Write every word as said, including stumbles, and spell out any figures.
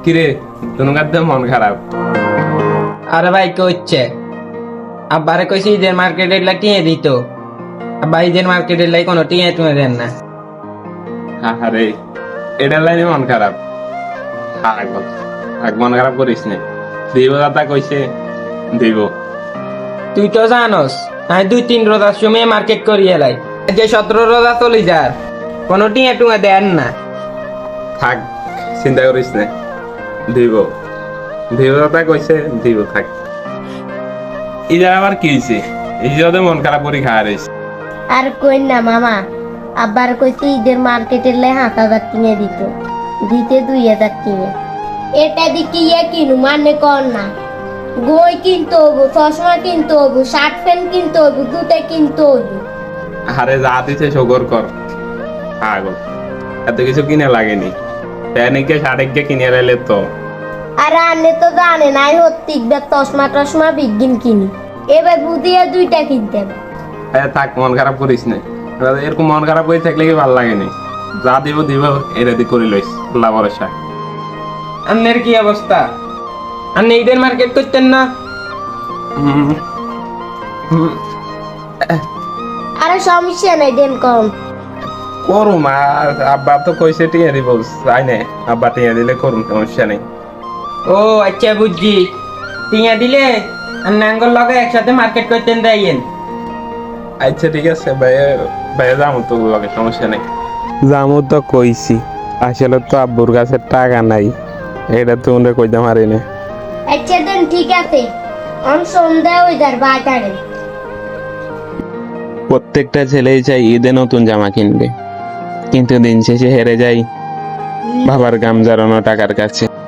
কিরে তোমার তো মন খারাপ? আরে ভাই কি হচ্ছে? আব্বারে কইছি ঈদের মার্কেটের লাই টিয়ে দিত, আব্বা ঈদের মার্কেটের লাই কোনো টিয়ে টুয়ে দেন না। আরে এটার লাইনে মন খারাপ? পাগল, থাক মন খারাপ করিস না। দিব দাদা কইছে দিব। তুই তো জানোস আমি দুই তিন রোজার সময় মার্কেট করি এলাই, যে সতেরো রোজা চলে যার কোনো টিয়ে টুয়ে দেন না। থাক চিন্তা করিস না, দিব দিব দাদা কইছে দিব। থাক ইজার আবার কি হয়েছে? এই যে মন খারাপ করি খাওয়া রয়েছে। আর কই না মামা, আব্বার কইছে ঈদের মার্কেটের লাই হাত হাজার কিনে দিত, দিতে দুই হাজার কিনে। এটা দিকে ইয়ে কিনু মানে কর না, বই কিনতে হবো, চশমা কিনতে হবো, শার্ট প্যান্ট কিনতে হবো, জুতা কিনতে হবো। আরে যা দিছে শকর কর। পাগল, এত কিছু কিনে লাগেনি। প্যানিকে সাড়ে কিনে এলে তো। আর আনে তো জানে নাই হত্তিক চশমা টশমা বিজ্ঞান কিনি, এবার বুঝিয়ে দুইটা কিনতেন। হ্যাঁ থাক মন খারাপ করিস না। এরকম মন খারাপ করে থাকলে কি ভালো লাগেনি? যা দিব দিব এটা দি করে লইস আল্লাহ ভরসা। আপনার কি অবস্থা? আপনি ঈদের মার্কেট করতেন না? হুম, হুম, আরে সমস্যা নাই, দেন কম। করুম। আর আব্বা তো কইছে টিয়া দিব, যাই না আব্বা টিয়া দিলে করুম, সমস্যা নেই। ও আচ্ছা বুঝছি, টিয়া দিলে আর নাঙ্গল লগে একসাথে মার্কেট করতেন দেয়েন। আচ্ছা ঠিক আছে ভাইয়া, ভাইয়া যাবো তো লগে, সমস্যা নেই। যাবো তো কইছি, আসলে তো আব্বুর কাছে টাকা নাই, এটা তো উনি কইতে পারি না। আচ্ছা দেন ঠিক আছে, অন সন্ধ্যা হয়ে যার বাজারে। প্রত্যেকটা ছেলেই চাই ঈদে নতুন জামা কিনবে, কিন্তু দিন শেষে হেরে যাই বাবার গাম জড়ানো টাকার কাছে।